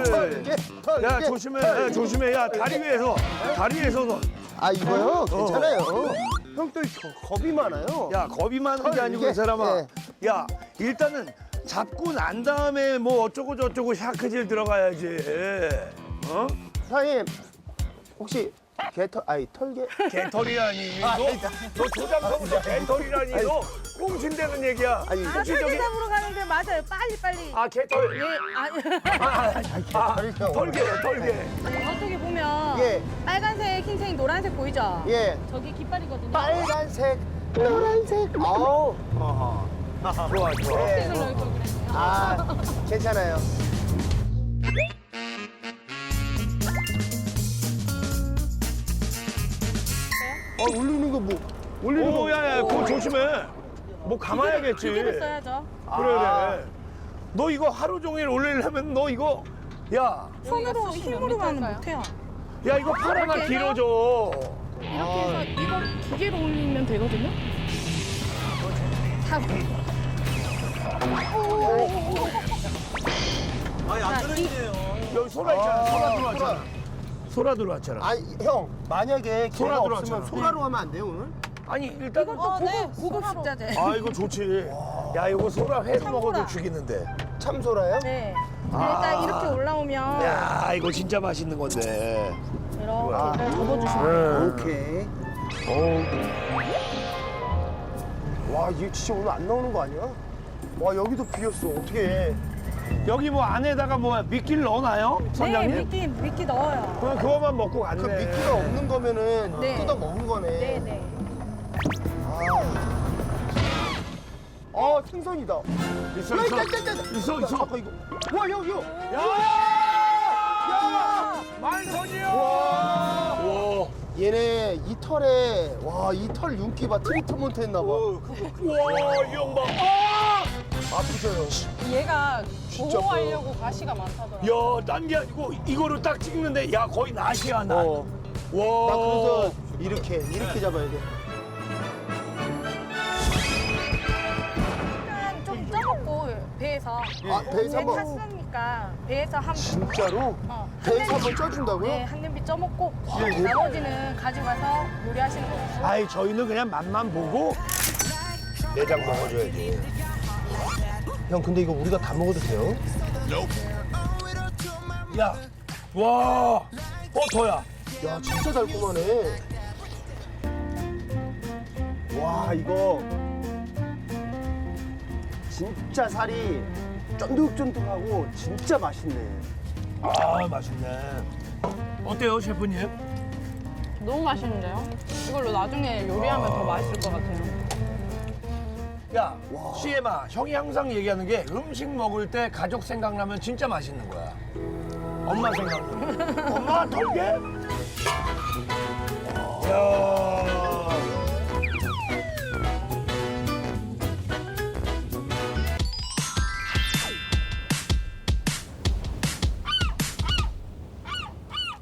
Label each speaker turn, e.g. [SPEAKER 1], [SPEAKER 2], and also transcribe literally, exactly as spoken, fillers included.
[SPEAKER 1] 털게, 털게.
[SPEAKER 2] 야 조심해, 야, 조심해. 야 다리 위에서, 다리 위에서 너.
[SPEAKER 1] 아 이거요? 괜찮아요.
[SPEAKER 2] 어.
[SPEAKER 1] 형 또 겁이 많아요.
[SPEAKER 2] 야 겁이 많은 게
[SPEAKER 1] 털,
[SPEAKER 2] 아니고
[SPEAKER 1] 이게,
[SPEAKER 2] 이 사람아.
[SPEAKER 1] 예.
[SPEAKER 2] 야 일단은 잡고 난 다음에 뭐 어쩌고 저쩌고 샤크질 들어가야지. 어?
[SPEAKER 1] 사장님 혹시 개털 아니 털개?
[SPEAKER 2] 개털이라니.
[SPEAKER 1] 아,
[SPEAKER 2] 너,
[SPEAKER 1] 아니다.
[SPEAKER 2] 너 조장서부터 개털이라니. 너 꽁신대는 얘기야.
[SPEAKER 1] 아니
[SPEAKER 3] 아,
[SPEAKER 2] 혹시 저기
[SPEAKER 3] 설계잡으러 가는데 맞아요. 빨리 빨리.
[SPEAKER 2] 아 개털.
[SPEAKER 3] 예, 아니.
[SPEAKER 2] 아
[SPEAKER 1] 개털이요.
[SPEAKER 2] 털개, 털개.
[SPEAKER 3] 저쪽에 보면
[SPEAKER 1] 예.
[SPEAKER 3] 빨간색, 흰색, 노란색 보이죠?
[SPEAKER 1] 예.
[SPEAKER 3] 저기 깃발이거든요.
[SPEAKER 1] 빨간색, 노란색. 아우.
[SPEAKER 2] 좋아, 좋아.
[SPEAKER 1] 네.
[SPEAKER 3] 색을 넣을 걸 그랬네요.
[SPEAKER 1] 아 괜찮아요. 아 올리는 거 뭐? 올리는 거.
[SPEAKER 2] 오, 야, 야, 그거 조심해. 뭐 감아야겠지.
[SPEAKER 3] 기계를 써야죠.
[SPEAKER 2] 그래, 그래. 너 이거 하루 종일 올리려면 너 이거, 야,
[SPEAKER 3] 손으로 힘으로만 못해요.
[SPEAKER 2] 야, 이거 팔 하나
[SPEAKER 3] 이렇게 해서?
[SPEAKER 2] 길어져.
[SPEAKER 3] 이렇게 해서 이거 기계로 올리면 되거든요. 다.
[SPEAKER 4] 아니 안 떨어지네요.
[SPEAKER 2] 여기 소라 있잖아.
[SPEAKER 1] 아,
[SPEAKER 2] 소라 들어왔잖아.
[SPEAKER 1] 소라.
[SPEAKER 2] 소라 들어왔잖아.
[SPEAKER 1] 아니 형 만약에
[SPEAKER 2] 소라
[SPEAKER 1] 개가
[SPEAKER 2] 들어왔잖아.
[SPEAKER 1] 없으면 소라로 하면 안 돼요 오늘?
[SPEAKER 2] 아니, 일단.
[SPEAKER 3] 이건 또 고급, 고급 식자재.
[SPEAKER 2] 아, 이거 좋지. 야, 이거 소라 회로 먹어도 죽이는데.
[SPEAKER 1] 참 소라요?
[SPEAKER 3] 네.
[SPEAKER 2] 아.
[SPEAKER 3] 일단 이렇게 올라오면
[SPEAKER 2] 야, 이거 진짜 맛있는 건데.
[SPEAKER 3] 이렇게
[SPEAKER 1] 아.
[SPEAKER 3] 접어주시면
[SPEAKER 1] 오케이.
[SPEAKER 2] 어우.
[SPEAKER 1] 와 이게 진짜 오늘 안 나오는 거 아니야? 와 여기도 비었어 어떻게 해?
[SPEAKER 2] 여기 뭐 안에다가 뭐 미끼를 넣어놔요?
[SPEAKER 3] 네,
[SPEAKER 2] 선장님?
[SPEAKER 3] 미끼, 미끼 넣어요.
[SPEAKER 2] 그럼 그거만 먹고 갔네.
[SPEAKER 1] 그 미끼가 없는 거면은
[SPEAKER 3] 네.
[SPEAKER 1] 뜯어 먹은 거네.
[SPEAKER 3] 네, 네.
[SPEAKER 1] 아 생선이다.
[SPEAKER 2] 있어,
[SPEAKER 1] 야,
[SPEAKER 2] 있어.
[SPEAKER 1] 있다, 있다, 있다.
[SPEAKER 2] 있어, 있어.
[SPEAKER 1] 아까 이거. 와 형, 형.
[SPEAKER 2] 야! 야! 만선이요!
[SPEAKER 1] 와.
[SPEAKER 2] 와.
[SPEAKER 1] 얘네 이 털에 와 이 털 윤기 봐 트리트먼트 했나 봐.
[SPEAKER 2] 와, 이 형 봐. 아!
[SPEAKER 1] 아프셔요.
[SPEAKER 5] 얘가
[SPEAKER 1] 진짜
[SPEAKER 5] 보호하려고 가시가 많다더라고요.
[SPEAKER 2] 야, 딴 게 아니고 이거로 딱 찍는데 야, 거의 낫이야, 낫.
[SPEAKER 1] 어.
[SPEAKER 2] 와.
[SPEAKER 1] 나 그래서 이렇게 이렇게 잡아야 돼.
[SPEAKER 3] 약간 좀 쪄먹고 배에서.
[SPEAKER 1] 아 배에서
[SPEAKER 3] 배
[SPEAKER 1] 한번
[SPEAKER 3] 탔으니까 배에서 한
[SPEAKER 1] 진짜로
[SPEAKER 3] 어, 한
[SPEAKER 1] 배에서
[SPEAKER 3] 냄비-
[SPEAKER 1] 한번 쪄준다고요?
[SPEAKER 3] 네, 한 냄비 쪄먹고
[SPEAKER 1] 대박.
[SPEAKER 3] 나머지는 가져가서 요리하시는 거예요.
[SPEAKER 2] 아이, 저희는 그냥 맛만 보고 내장 먹어줘야지.
[SPEAKER 1] 형 근데 이거 우리가 다 먹어도 돼요?
[SPEAKER 2] 야, 와, 어, 더야.
[SPEAKER 1] 야 진짜 달콤하네. 와 이거 진짜 살이 쫀득쫀득하고 진짜 맛있네.
[SPEAKER 2] 아, 맛있네. 어때요, 셰프님?
[SPEAKER 5] 너무 맛있는데요? 이걸로 나중에 요리하면 더 맛있을 것 같아요.
[SPEAKER 2] 야, 시엠아, 형이 항상 얘기하는 게 음식 먹을 때 가족 생각나면 진짜 맛있는 거야. 엄마 생각나. 엄마 털게? 야,